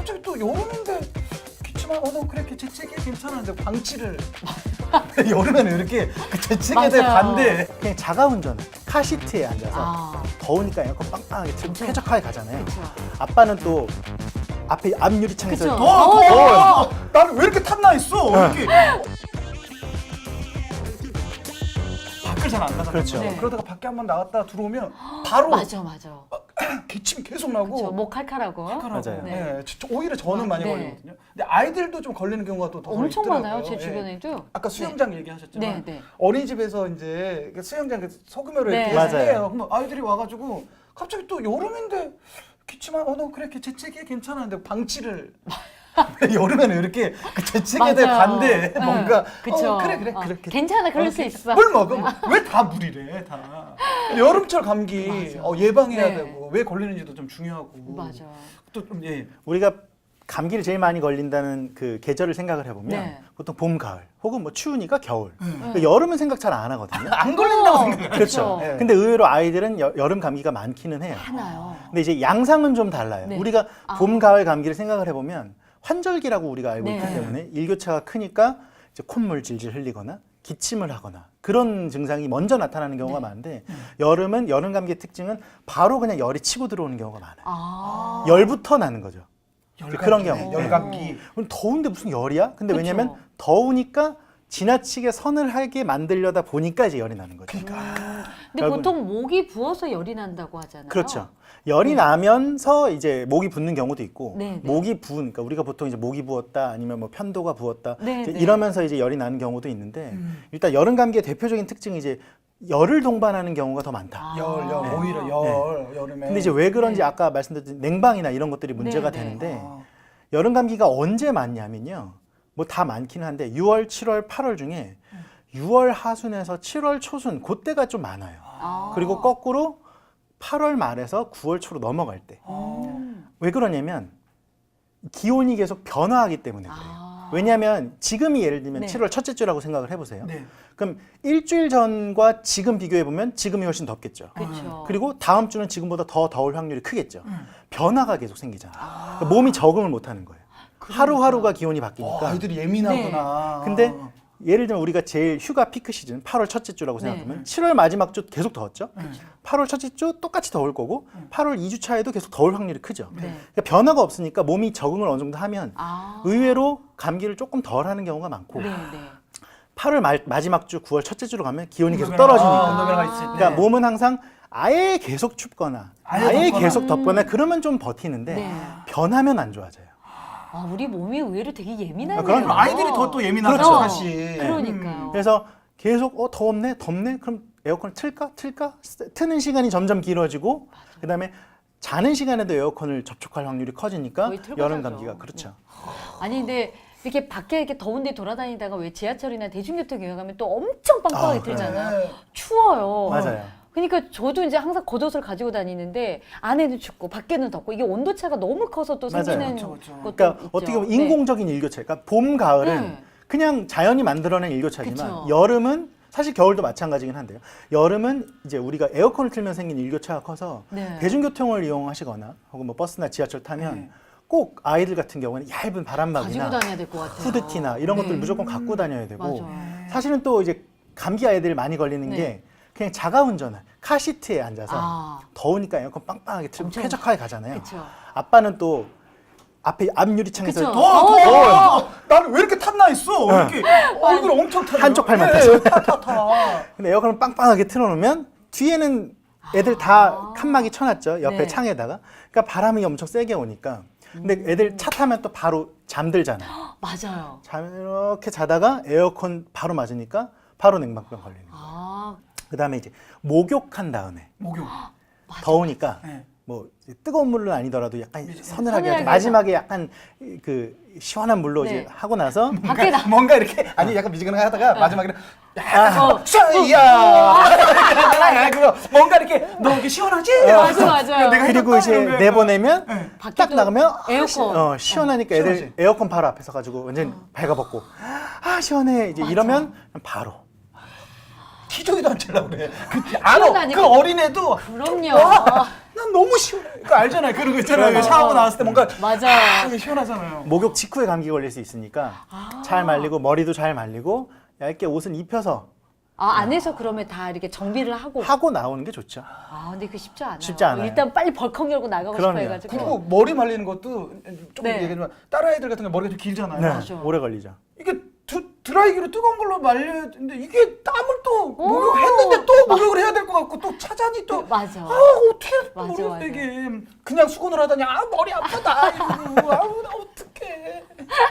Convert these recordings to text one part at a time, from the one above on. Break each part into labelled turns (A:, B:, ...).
A: 갑자기 또 여름인데 기침하 너 그래 재채기 괜찮은데 방치를 여름에는 이렇게 그 재채기에 대해
B: 맞아요.
A: 반대.
C: 그냥 자가운전 카시트에 앉아서 더우니까 에어컨 빵빵하게 틀고
B: 그쵸.
C: 쾌적하게 가잖아요.
B: 그쵸.
C: 아빠는 또 앞에 앞유리창에서
B: 그쵸.
A: 더워. 나는 왜 이렇게 탐나 있어? 이렇게. 밖을 잘 안 나가죠.
C: 그렇죠.
B: 네.
A: 그러다가 밖에 한번 나갔다 들어오면 바로
B: 맞아.
A: 기침이 계속 나고.
B: 그쵸. 목 칼칼하고.
C: 맞아요.
A: 네. 오히려 저는 많이
B: 네.
A: 걸리거든요. 근데 아이들도 좀 걸리는 경우가 또 더
B: 엄청
A: 있더라고요.
B: 많아요. 제
A: 예.
B: 주변에도.
A: 아까 수영장 얘기하셨지만
B: 네.
A: 어린이집에서 이제 수영장 소금으로
B: 네.
A: 이렇게
C: 맞아요.
A: 해요. 그럼 아이들이 와가지고 갑자기 또 여름인데 기침하 너 그래 재채기 괜찮은데 방치를 여름에는 이렇게 그 재채기에 대해
B: 맞아요.
A: 반대
B: 네.
A: 뭔가
B: 그쵸.
A: 그래
B: 어,
A: 그렇게
B: 괜찮아. 그럴 수 있어.
A: 물 먹어 왜 다 물이래 다 여름철 감기
B: 맞아.
A: 예방해야
B: 네.
A: 되고 왜 걸리는지도 좀 중요하고
B: 맞아.
A: 또 좀 예.
C: 우리가 감기를 제일 많이 걸린다는 그 계절을 생각을 해보면
B: 네.
C: 보통 봄, 가을 혹은 뭐 추우니까 겨울. 그러니까 여름은 생각 잘 안 하거든요.
A: 안 걸린다고 생각해요.
C: 그렇죠.
A: 네.
C: 근데 의외로 아이들은 여름 감기가 많기는 해요.
B: 하나요.
C: 근데 이제 양상은 좀 달라요.
B: 네.
C: 우리가 봄, 가을 감기를 생각을 해보면 환절기라고 우리가 알고
B: 네.
C: 있기 때문에 일교차가 크니까 이제 콧물 질질 흘리거나 기침을 하거나 그런 증상이 먼저 나타나는 경우가 많은데 여름은 여름 감기의 특징은 바로 그냥 열이 치고 들어오는 경우가 많아요. 열부터 나는 거죠. 그런 경우.
A: 열감기.
C: 그럼 더운데 무슨 열이야? 근데
B: 그쵸.
C: 왜냐면 더우니까 지나치게 서늘하게 만들려다 보니까 이제 열이 나는 거죠.
B: 근데
C: 결국은-
B: 보통 목이 부어서 열이 난다고 하잖아요.
C: 그렇죠. 열이 나면서 이제 목이 붓는 경우도 있고
B: 네, 네.
C: 목이 부으니까 우리가 보통 이제 목이 부었다 아니면 뭐 편도가 부었다
B: 네,
C: 이제
B: 네.
C: 이러면서 이제 열이 나는 경우도 있는데 일단 여름 감기의 대표적인 특징이 이제 열을 동반하는 경우가 더 많다.
A: 열 오히려 여름에.
C: 근데 이제 왜 그런지
B: 네.
C: 아까 말씀드린 냉방이나 이런 것들이 문제가
B: 네, 네.
C: 되는데 여름 감기가 언제 많냐면요. 뭐 다 많기는 한데 6월, 7월, 8월 중에 6월 하순에서 7월 초순 그때가 좀 많아요. 그리고 거꾸로 8월 말에서 9월 초로 넘어갈 때. 왜 그러냐면 기온이 계속 변화하기 때문에 그래요. 왜냐하면 지금이 예를 들면
B: 네.
C: 7월 첫째 주라고 생각을 해보세요.
A: 네.
C: 그럼 일주일 전과 지금 비교해 보면 지금이 훨씬 덥겠죠.
B: 그렇죠.
C: 그리고 다음 주는 지금보다 더 더울 확률이 크겠죠. 변화가 계속 생기잖아요. 그러니까 몸이 적응을 못하는 거예요. 하루하루가 기온이 바뀌니까.
A: 아이들이 예민하구나.
C: 근데 예를 들면 우리가 제일 휴가 피크 시즌 8월 첫째 주라고
B: 네.
C: 생각하면 7월 마지막 주 계속 더웠죠. 8월 첫째 주 똑같이 더울 거고 8월 2주 차에도 계속 더울 확률이 크죠.
B: 네.
C: 그러니까 변화가 없으니까 몸이 적응을 어느 정도 하면
B: 아.
C: 의외로 감기를 조금 덜 하는 경우가 많고
B: 네.
C: 8월 마지막 주 9월 첫째 주로 가면 기온이 계속 떨어지니까
A: 온도변화가 있을 때.
C: 그러니까 몸은 항상 아예 계속 춥거나
A: 아예
C: 아예
A: 덥거나.
C: 계속 덥거나 그러면 좀 버티는데
B: 네.
C: 변하면 안 좋아져요.
B: 우리 몸이 의외로 되게 예민하네요.
C: 그럼
A: 아이들이 또 예민하죠
C: 그렇죠.
A: 사실.
B: 그러니까요.
C: 그래서 계속 덥네 덥네 그럼 에어컨을 틀까 트는 시간이 점점 길어지고 그다음에 자는 시간에도 에어컨을 접촉할 확률이 커지니까
B: 거의 틀고
C: 여름
B: 자죠.
C: 감기가 그렇죠.
B: 아니 근데 이렇게 밖에 이렇게 더운데 돌아다니다가 왜 지하철이나 대중교통 이용하면 또 엄청 빵빵하게
C: 그래요.
B: 틀잖아요.
A: 네.
B: 추워요.
C: 맞아요.
B: 그러니까 저도 이제 항상 겉옷을 가지고 다니는데 안에는 춥고 밖에는 덥고 이게 온도 차가 너무 커서 또
C: 맞아요.
B: 생기는
A: 그렇죠, 그렇죠.
B: 것도
C: 그러니까
B: 있죠.
C: 어떻게 보면
B: 네.
C: 인공적인 일교차. 그러니까 봄 가을은
B: 네.
C: 그냥 자연이 만들어낸 일교차지만
B: 그쵸.
C: 여름은 사실 겨울도 마찬가지긴 한데요. 여름은 이제 우리가 에어컨을 틀면 생긴 일교차가 커서
B: 네.
C: 대중교통을 이용하시거나 혹은 뭐 버스나 지하철 타면
A: 네.
C: 꼭 아이들 같은 경우는 얇은
B: 가지고
C: 바람막이나
B: 다녀야 될 것 같아요.
C: 후드티나 이런
B: 네.
C: 것들 무조건 갖고 다녀야 되고
B: 맞아요.
C: 사실은 또 이제 감기 아이들 많이 걸리는
B: 네.
C: 게 그냥 자가운전을 카시트에 앉아서 더우니까 에어컨 빵빵하게 틀고
B: 엄청.
C: 쾌적하게 가잖아요.
B: 그쵸.
C: 아빠는 또 앞에 앞유리창에서
B: 그쵸.
A: 더워. 나는 왜 이렇게 탐나 있어? 이렇게 얼굴 엄청 타죠.
C: 한쪽 팔만
A: 예, 타.
C: 근데 에어컨을 빵빵하게 틀어놓으면 뒤에는 애들 다 칸막이 쳐놨죠. 옆에
B: 네.
C: 창에다가. 그러니까 바람이 엄청 세게 오니까. 근데 애들 차 타면 또 바로 잠들잖아요.
B: 맞아요.
C: 이렇게 자다가 에어컨 바로 맞으니까 바로 냉방병 걸리는 거예요. 그다음에 이제 목욕한 다음에
A: 목욕.
C: 더우니까
A: 네.
C: 뭐 이제 뜨거운 물은 아니더라도 약간 서늘하게
B: 서늘하게
C: 하죠. 마지막에 약간 그 시원한 물로
B: 네.
C: 이제 하고 나서
B: 밖에 나
A: 뭔가 이렇게 아니 약간 미지근하게 하다가 마지막에는
B: 어.
A: 샤이야 그거 뭔가 이렇게 너 이렇게 시원하지?
B: 맞아요.
A: 내가
C: 그리고 이제
A: 해줬다,
C: 내보내면
B: 밖에도
C: 딱 나가면
B: 에어컨.
C: 시원하니까 애들
A: 시원하지.
C: 에어컨 바로 앞에 서가지고 완전 발가벗고 시원해 이제 이러면 바로
A: 기저귀도 안 찰라 그래. 알아.
B: 시원하니까.
A: 그 어린애도
B: 그럼요.
A: 와, 난 너무 시원해. 그거 알잖아요. 그런 거 있잖아요. 샤워 나왔을 때 뭔가
B: 맞아.
A: 이게 시원하잖아요.
C: 목욕 직후에 감기 걸릴 수 있으니까 잘 말리고 머리도 잘 말리고 얇게 옷은 입혀서
B: 안에서 그러면 다 이렇게 정비를 하고
C: 나오는 게 좋죠.
B: 근데 그게 쉽지 않아요.
C: 쉽지 않아요.
B: 일단 빨리 벌컥 열고 나가고
C: 그럼요.
B: 싶어 해가지고.
A: 그리고 머리 말리는 것도 조금
B: 네.
A: 얘기하지만 딸아이들 같은 게 머리가 좀 길잖아요.
C: 네,
B: 맞아.
C: 오래 걸리죠.
A: 이게 드라이기로 뜨거운 걸로 말려야 되는데 이게 땀을 또 목욕했는데 또 목욕을 해야 될 것 같고 또 차잔이 또
B: 맞아.
A: 어떻게
B: 맞아,
A: 모르겠어
B: 맞아.
A: 이게 그냥 수건을 하다니 머리 아프다 이러고 나 어떡해.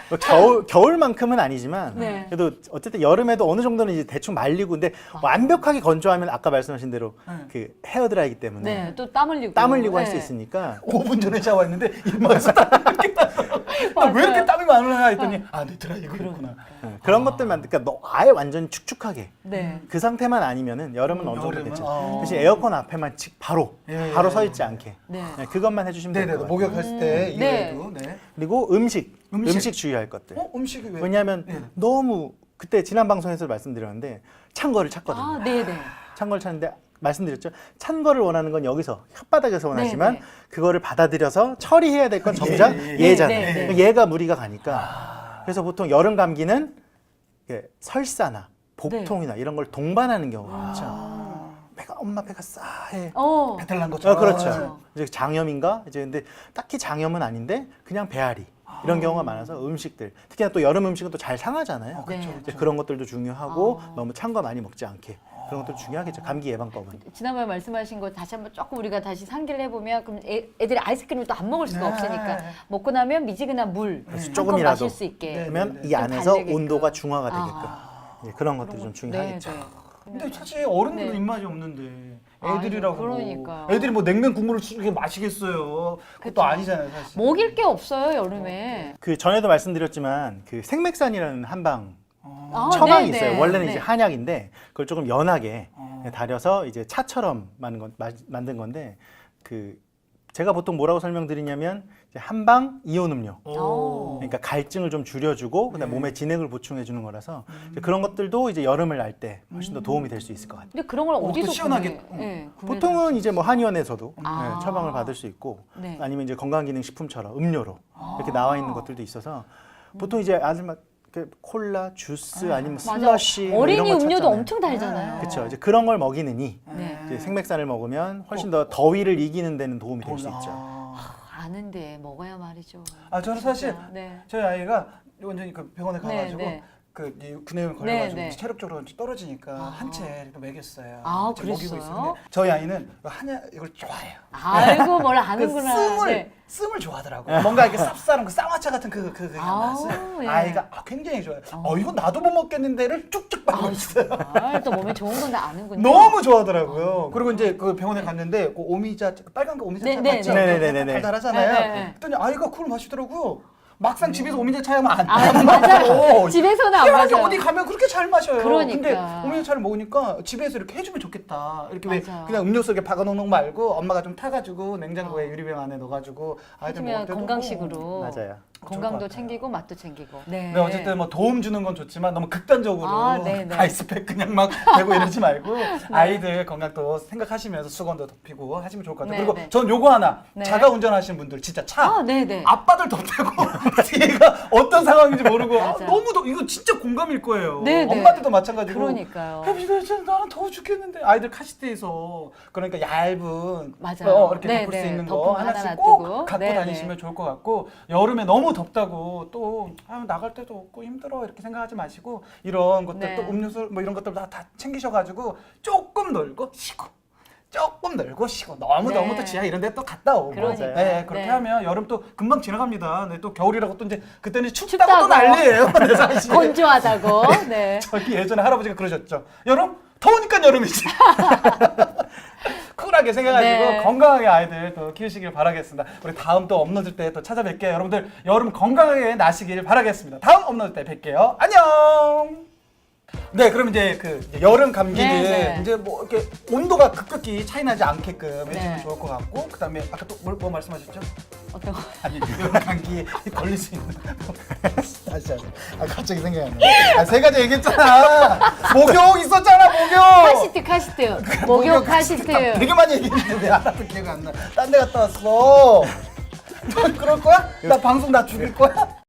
C: 뭐 겨울만큼은 아니지만
B: 네.
C: 그래도 어쨌든 여름에도 어느 정도는 이제 대충 말리고 근데 완벽하게 건조하면 아까 말씀하신 대로 그 헤어드라이기 때문에
B: 네, 또 땀 흘리고.
C: 할 수
B: 네.
C: 있으니까
A: 5분 전에 샤워했는데 이마에서 땀이 이렇게 나서 왜 이렇게 땀이 많으나 했더니 내 드라이기가 있구나.
C: 그런 것들만 그러니까 아예 완전 축축하게
B: 네.
C: 그 상태만 아니면은 여름은 어느 정도
A: 여름은?
C: 괜찮아요. 대신 에어컨 앞에만 바로
A: 예,
C: 바로
A: 예,
C: 서
A: 예.
C: 있지 않게
B: 네.
C: 그것만 해주시면 될
A: 네네
C: 것 같아요.
A: 목욕했을 때
B: 네.
A: 이외에도 네.
C: 그리고 음식
A: 음식.
C: 주의할 것들.
A: 음식이 왜?
C: 왜냐하면
A: 네.
C: 너무 그때 지난 방송에서 말씀드렸는데 찬 거를 찾거든요.
B: 네네.
C: 찬 거를 찾는데 말씀드렸죠. 찬 거를 원하는 건 여기서 혓바닥에서 원하지만
B: 네, 네.
C: 그거를 받아들여서 처리해야 될 건 정작 얘잖아요.
B: 네, 네, 네.
C: 얘가 무리가 가니까. 그래서 보통 여름 감기는 이게 설사나 복통이나 이런 걸 동반하는 경우가 많죠. 엄마 배가 싸해.
A: 배탈 난 것처럼.
C: 그렇죠. 이제 장염인가? 이제 근데 딱히 장염은 아닌데 그냥 배앓이 이런 경우가 많아서 음식들 특히나 또 여름 음식은 또 잘 상하잖아요.
B: 그렇죠,
C: 이제 그런 것들도 중요하고 너무 찬 거 많이 먹지 않게 그런 것도 중요하겠죠. 감기 예방법은.
B: 지난번에 말씀하신 거 다시 한번 조금 우리가 다시 상기를 해보면 그럼 애들이 아이스크림을 또 안 먹을 수가
A: 네.
B: 없으니까 먹고 나면 미지근한 물
C: 그래서
B: 한컵
C: 조금이라도.
B: 마실 수 있게.
A: 네.
C: 그러면 이
B: 좀
C: 안에서
B: 달래게끔.
C: 온도가 중화가 되게끔 예, 그런 것들이 좀 중요하겠죠.
B: 네, 네.
A: 근데 사실 어른들은
B: 네.
A: 입맛이 없는데
B: 아유,
A: 애들이라고
B: 그러니까요.
A: 애들이 뭐 냉면 국물을 이렇게 마시겠어요. 그것도 아니잖아요 사실.
B: 먹일 게 없어요 여름에.
C: 그 전에도 말씀드렸지만 그 생맥산이라는 한방
B: 아,
C: 처방이
B: 네,
C: 있어요.
B: 네.
C: 원래는
B: 네.
C: 이제 한약인데 그걸 조금 연하게
A: 어.
C: 달여서 이제 차처럼 만든 건데 그 제가 보통 뭐라고 설명드리냐면 이제 한방 이온 음료.
B: 오.
C: 그러니까 갈증을 좀 줄여주고 그다음 몸에 진액을 보충해 주는 거라서 이제 그런 것들도 이제 여름을 날 때 훨씬 더 도움이 될 수 있을 것 같아요.
B: 근데 그런 걸
A: 또
B: 어디서
A: 시원하게.
B: 구매를
C: 보통은 이제 뭐 한의원에서도
B: 아.
C: 처방을 받을 수 있고
B: 네.
C: 아니면 이제 건강기능식품처럼 음료로 이렇게 나와 있는 것들도 있어서 보통 이제 아주 막 그 콜라, 주스 아니면
B: 맞아.
C: 슬러시 뭐
B: 어린이
C: 이런 걸
B: 음료도
C: 찾잖아요.
B: 엄청 달잖아요.
C: 그렇죠. 이제 그런 걸 먹이느니
B: 네.
C: 이제 생맥산을 먹으면 훨씬 더 더위를 이기는 데는 도움이 될 수 있죠.
B: 아는데 먹어야 말이죠.
A: 저는 사실
B: 진짜. 네.
A: 저희 아이가 완전히 그 병원에 가가지고
B: 네.
A: 그 구내염 걸려가지고
B: 네.
A: 체력적으로 떨어지니까 한 채 이렇게 먹였어요.
B: 아,
A: 지금 먹이고
B: 그랬어요?
A: 있는데 저희 아이는 한약 이걸 좋아해요.
B: 아이고 뭘
A: 그
B: 아는구나. 네.
A: 씀을 좋아하더라고요. 뭔가 이렇게 쌉싸름 그 쌍화차 같은 그
B: 아우,
A: 맛을
B: 예.
A: 아이가 굉장히 좋아해요. 이거 나도 못 먹겠는데를 쭉쭉 빨고 있어요.
B: 또 몸에 좋은 건 다 아는군요.
A: 너무 좋아하더라고요. 그리고 이제 그 병원에 갔는데 그 오미자 빨간 거 오미자 차
B: 네,
A: 맞죠?
C: 네, 네, 네, 네.
A: 달달하잖아요.
B: 네, 네.
A: 그랬더니 아이가 그걸 마시더라고요. 막상 집에서 오미자 차야만 안
B: 맞아요.
A: 마셔.
B: 집에서는 안
A: 희한하게
B: 맞아요.
A: 어디 가면 그렇게 잘 마셔요.
B: 그러니까.
A: 근데 오미자 차를 먹으니까 집에서 이렇게 해주면 좋겠다. 이렇게 왜
B: 맞아.
A: 그냥 음료수 이렇게 박아놓는 거 말고 엄마가 좀 타가지고 냉장고에 유리병 안에 넣어가지고 아이들 먹을
B: 해주면
A: 때도
B: 건강식으로.
C: 맞아요.
B: 건강도
A: 같아요.
B: 챙기고 맛도 챙기고. 네.
A: 네, 어쨌든 뭐 도움 주는 건 좋지만 너무 극단적으로
B: 네, 네.
A: 아이스팩 그냥 막 대고 이러지 말고 아이들 건강도 생각하시면서 수건도 덮이고 하시면 좋을 것 같아요.
B: 네,
A: 그리고
B: 네.
A: 전 요거 하나
B: 네.
A: 자가 운전하시는 분들 진짜 차
B: 네네.
A: 앞바들 덮대고 뒤가 어떤 상황인지 모르고
B: 맞아.
A: 너무 이거 진짜 공감일 거예요.
B: 네, 네.
A: 엄마들도 마찬가지고.
B: 그러니까요.
A: 나는 더워 죽겠는데 아이들 카시트에서 그러니까 얇은
B: 맞아요.
A: 이렇게
B: 네,
A: 덮을 수
B: 네.
A: 있는 거
B: 덮은 거
A: 하나씩
B: 하나
A: 꼭
B: 놔두고.
A: 갖고
B: 네,
A: 다니시면 좋을 것 같고 여름에 너무 덥다고 또 나갈 때도 없고 힘들어 이렇게 생각하지 마시고 이런 것들
B: 네.
A: 또 음료수 뭐 이런 것들 다 챙기셔가지고 조금 놀고 쉬고 조금 놀고 쉬고 너무
B: 네.
A: 또 지하 이런 데 또 갔다 오고
B: 그러니까요.
A: 네, 그렇게
B: 네.
A: 하면 여름 또 금방 지나갑니다. 네, 또 겨울이라고 또 이제 그때는 춥다고
B: 춥다고.
A: 또 난리예요. 네, 사실.
B: 건조하다고. 네.
A: 저기 예전에 할아버지가 그러셨죠. 여름? 더우니까 여름이지. 쿨하게 생각하시고
B: 네.
A: 건강하게 아이들 또 키우시길 바라겠습니다. 우리 다음 또 업로드 때 또 찾아뵐게요. 여러분들 여름 건강하게 나시길 바라겠습니다. 다음 업로드 때 뵐게요. 안녕! 네, 그럼 이제 그 이제 여름 감기는
B: 네, 네.
A: 이제 뭐 이렇게 온도가 급격히 차이 나지 않게끔 해주면
B: 네.
A: 좋을 것 같고, 그다음에 아까 또 뭐 말씀하셨죠?
B: 어떤 거?
A: 아니 여름 감기에 걸릴 수 있는 다시 갑자기 생각이 안 나. 세 가지 얘기했잖아. 목욕 있었잖아, 목욕.
B: 카시트. 목욕 카시트.
A: 되게 많이 얘기했는데 왜 하나도 기억 안 나. 딴 데 갔다 왔어. 너 그럴 거야? 나 방송 나 죽일 거야?